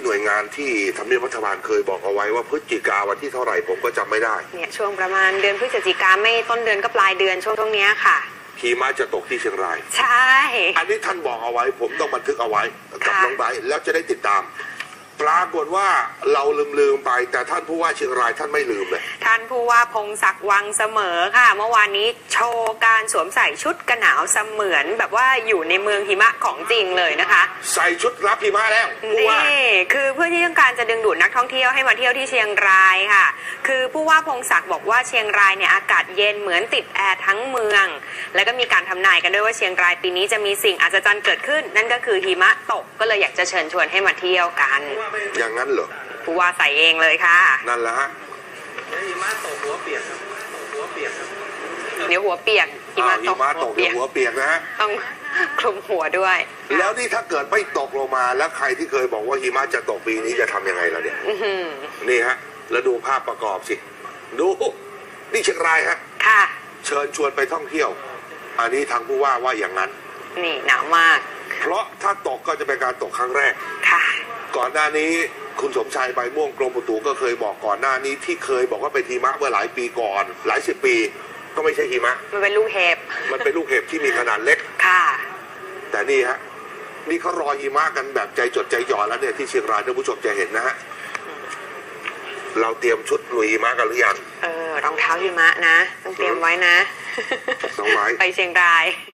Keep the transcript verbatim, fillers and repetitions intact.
หน่วยงานที่ทำเนียบรัฐบาลเคยบอกเอาไว้ว่าพฤศจิกาวันที่เท่าไหร่ผมก็จำไม่ได้เนี่ยช่วงประมาณเดือนพฤศจิกาไม่ต้นเดือนก็ปลายเดือนช่วงตรงนี้ค่ะหิมะจะตกที่เชียงรายใช่อันนี้ท่านบอกเอาไว้ผมต้องบันทึกเอาไว้กับน้องไบร์ทแล้วจะได้ติดตามปรากฏว่าเราลืมลืมไปแต่ท่านผู้ว่าเชียงรายท่านไม่ลืมเลยท่านผู้ว่าพงศักดิ์วังเสมอค่ะเมื่อวานนี้โชว์การสวมใส่ชุดกันหนาวเสมือนแบบว่าอยู่ในเมืองหิมะของจริงเลยนะคะใส่ชุดรับหิมะแล้วนี่คือเพื่อที่ต้องการจะดึงดูดนักท่องเที่ยวให้มาเที่ยวที่เชียงรายค่ะคือผู้ว่าพงศักดิ์บอกว่าเชียงรายเนี่ยอากาศเย็นเหมือนติดแอร์ทั้งเมืองแล้วก็มีการทำนายกันด้วยว่าเชียงรายปีนี้จะมีสิ่งอัศจรรย์เกิดขึ้นนั่นก็คือหิมะตกก็เลยอยากจะเชิญชวนให้มาเที่ยวกันอย่างนั้นเหรอผู้ว่าใส่เองเลยค่ะนั่นแหละฮะหิมะตกหัวเปียกครับหัวเปียกครับเดี๋ยวหัวเปียกหิมะตกตกเดี๋ยวหัวเปียกนะฮะต้องคลุมหัวด้วยแล้วนี่ถ้าเกิดไม่ตกลงมาแล้วใครที่เคยบอกว่าหิมะจะตกปีนี้จะทำยังไงล่ะเนี่ยนี่ฮะแล้วดูภาพประกอบสิดูนี่เชียงรายฮะค่ะเชิญชวนไปท่องเที่ยวอันนี้ทางผู้ว่าว่าอย่างนั้นนี่หนาวมากเพราะถ้าตกก็จะเป็นการตกครั้งแรกค่ะก่อนหน้านี้คุณสมชายใบม่วงกรมอุตุก็เคยบอกก่อนหน้านี้ที่เคยบอกว่าเป็นหิมะเมื่อหลายปีก่อนหลายสิบปีก็ไม่ใช่หิมะมันเป็นลูกเห็บมันเป็นลูกเห็บที่มีขนาดเล็กค่ะแต่นี่ฮะนี่เขารอหิมะกันแบบใจจดใจจ่อแล้วเนี่ยที่เชียงรายท่านผู้ชมจะเห็นนะฮะเราเตรียมชุดลุยหิมะกันหรือยังเออรองเท้าหิมะนะต้องเตรียมไว้นะน้องไม้ไปเชียงราย